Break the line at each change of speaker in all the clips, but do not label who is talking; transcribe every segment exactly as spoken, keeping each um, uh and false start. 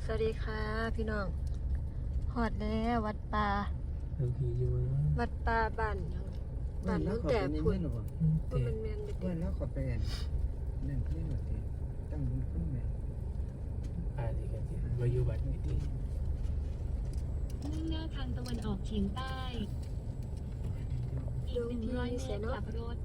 สวัสดีค่ะพี่น้องหอดแล้ววัดป่าวัดป่าบ้านบ้านนู้นแต่พุ่นพุ่นมันแมนเด็ก
วันแล้วขอไปนั่นเพื่อนหมดเลยตั้งบุญขึ้นแม่
อ่านี่กันสิวายุบัตรนี่ดี
มุ่งหน้าทางตะวันออกเฉียงใต้อีกหนึ่งร้อยเมตรกลับรถ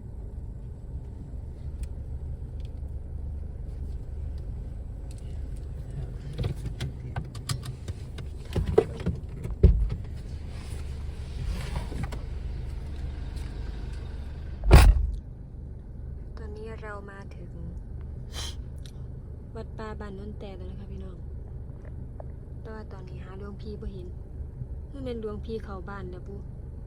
ตอนนี้เรามาถึงวัดป่าบ้านนู้นแต่แล้วนะคะพี่น้องแต่ว่าตอนนี้หาหลวงพี่บ่เห็นนี่เป็นหลวงพี่เข้าบ้านแล้วปุ๊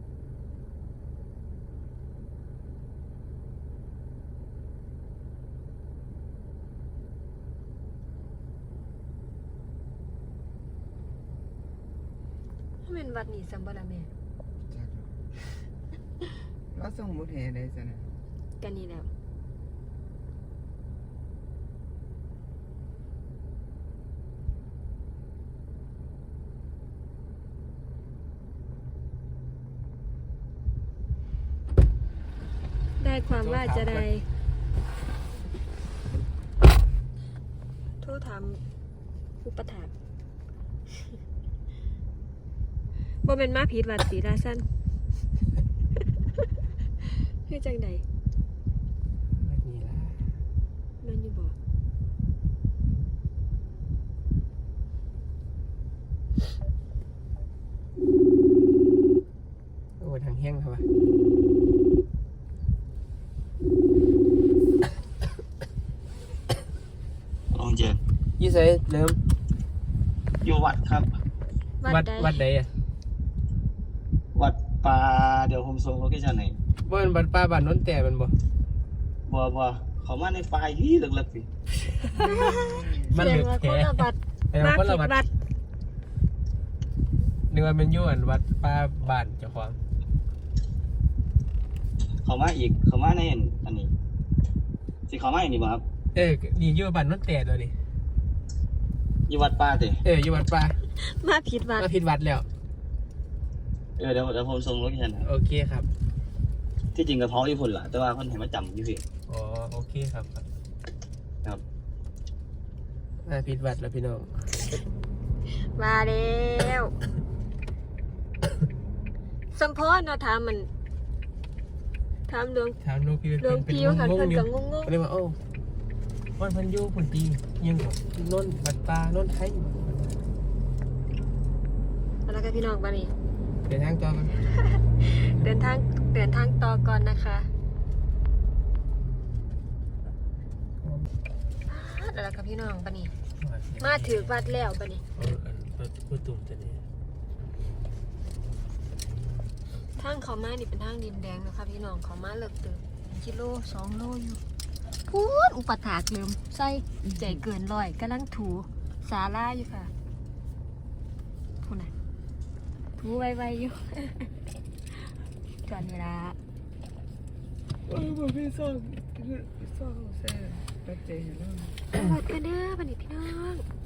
นี่เป็นวัดนี่สัมบัติแม่
แล้วส่งมุดแห่ได้ซะนะ
กันนี่แล้วได้ความว่าจะได้โทษถามอุปถากบ่เป็นมาผิดวัดศรีราชันคือจังใด
บัตรนี่ล่ะ
แม่นอยู่บ่
โอ้ทางแห้งครับวะ
ลองเจอ
ยี่ใส่เริ่ม
อยู่วัดครับ
วัด
ใด
วัดใดอ่ะ
วัดป่าเดี๋ยวผมส่งโลเคชั่นให้
ว่ามันวัดป้าบ้านโน้นแต่มันบ่
บัวบัวเขามาในไฟล์ที่เลิกๆสิ
มัน
เสี
เห
ย
ลื
ง
อ
ว่า
แค่
คนละบัด
แต่
มา
ว่าคน
ผิ
ละ
ด
วัด
วัด
นึกว่าเป็นยุ่อันวัดป้าบ้านเจ้าของ
เขามาอีกเขามาในอันนี้สิเขามาอันนี้บ่ครับ
เออนี่อยู่บ้านโน้นแต่ตัวนี้
อยู่วัดป่าเตะ
เอออยู่วัดป้า
มาผิดวัด
มาผิดวัดแล้ว
เออเดี๋ยวเดี๋ยวผมส่งโลเคชั่นให้
โอเคครับ
ที่จริงกระท้อญี่ปุ่นล่ะแต่ว่าคนให้มาจำอยู่พี่
อ๋อโอเคครับ
ครับ
มาผิดวัดแล้วพี่น้อง
มาแล้วสมพรเนาะถามมันถามหลวง
ถามหลวงพี่
หลวงพี่ว่ากันเพิ่นก็งง
ก็เลยว่าโอ้วันเพันอยูผุนตียังกว่าโน้นวัดป้าโน้นไทย
ๆเอาละค่ะพี่น้องบัดนี้
เดินทางต่อกัน
เดินทางเดินทางต่อก่อนนะคะเอาละค่ะพี่น้องบัดนี้ มาถือวัดแล้วบัดนี้
เอาอันพูดตุ่มจะนี่
ทางเขามานี่เป็นทางดินแดงนะคะพี่น้องเขามาเลิกเติมกิโลสองโลอยู่พูดอุปถากลืมใส่ใจเกินร้อยกำลังถูสาลาอยู่ค่ะพูดนะถูไวๆอยู่ ก่อนเวลา
โอ้ยบ่พี่ส่งพี่ส่งแซ่ตัดใจให้เรา
หมดกันเด้อบันนี้พี่น้อง